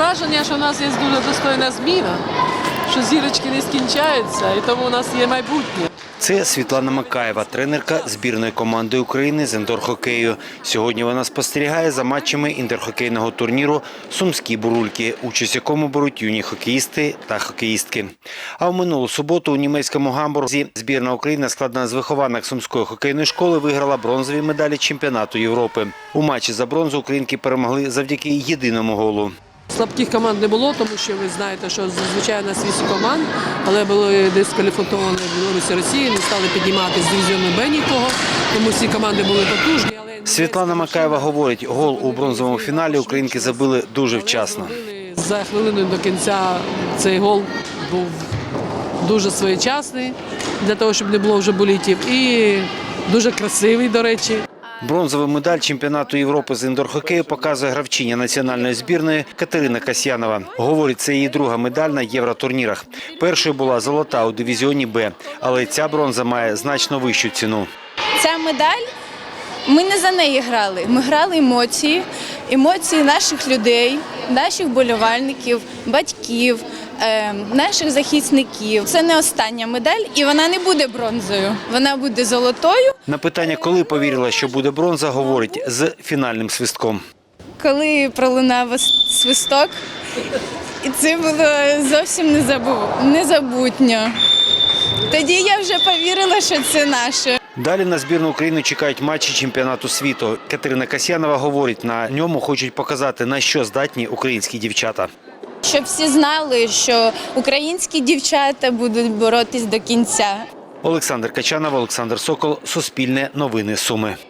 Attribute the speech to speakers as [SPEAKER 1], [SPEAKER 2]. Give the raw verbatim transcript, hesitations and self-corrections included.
[SPEAKER 1] враження, що у нас є дуже достойна зміна, що зірочки не скінчаються, і тому у нас є майбутнє.
[SPEAKER 2] Це Світлана Макаєва, тренерка збірної команди України з індор-хокею. Сьогодні вона спостерігає за матчами інтерхокейного турніру «Сумські бурульки», участь в якому беруть юні хокеїсти та хокеїстки. А в минулу суботу у німецькому Гамбурзі збірна України, складена з вихованок Сумської хокейної школи, виграла бронзові медалі чемпіонату Європи. У матчі за бронзу українки перемогли завдяки єдиному голу.
[SPEAKER 1] Слабких команд не було, тому що ви знаєте, що зазвичай у нас вісім команд, але були дискваліфіковані в Білорусі, Росії, не стали піднімати з дивізіону Б нікого, тому всі команди були потужні. Але
[SPEAKER 2] Світлана Макаєва говорить, гол у бронзовому фіналі українки забили дуже вчасно.
[SPEAKER 1] За хвилину до кінця цей гол був дуже своєчасний, для того, щоб не було вже болітів, і дуже красивий, до речі.
[SPEAKER 2] Бронзовий медаль чемпіонату Європи з індор-хокею показує гравчиня національної збірної Катерина Касьянова. Говорить, це її друга медаль на євротурнірах. Першою була золота у дивізіоні Б, але ця бронза має значно вищу ціну.
[SPEAKER 3] Ця медаль, ми не за неї грали. Ми грали емоції, емоції наших людей, наших болівальників, батьків, наших захисників. Це не остання медаль, і вона не буде бронзою, вона буде золотою.
[SPEAKER 2] На питання, коли повірила, що буде бронза, говорить з фінальним свистком.
[SPEAKER 3] Коли пролунав свисток, і це було зовсім незабутньо. Тоді я вже повірила, що це наше.
[SPEAKER 2] Далі на збірну України чекають матчі чемпіонату світу. Катерина Касьянова говорить, на ньому хочуть показати, на що здатні українські дівчата.
[SPEAKER 3] Щоб всі знали, що українські дівчата будуть боротись до кінця.
[SPEAKER 2] Олександр Качанов, Олександр Сокол, Суспільне новини Суми.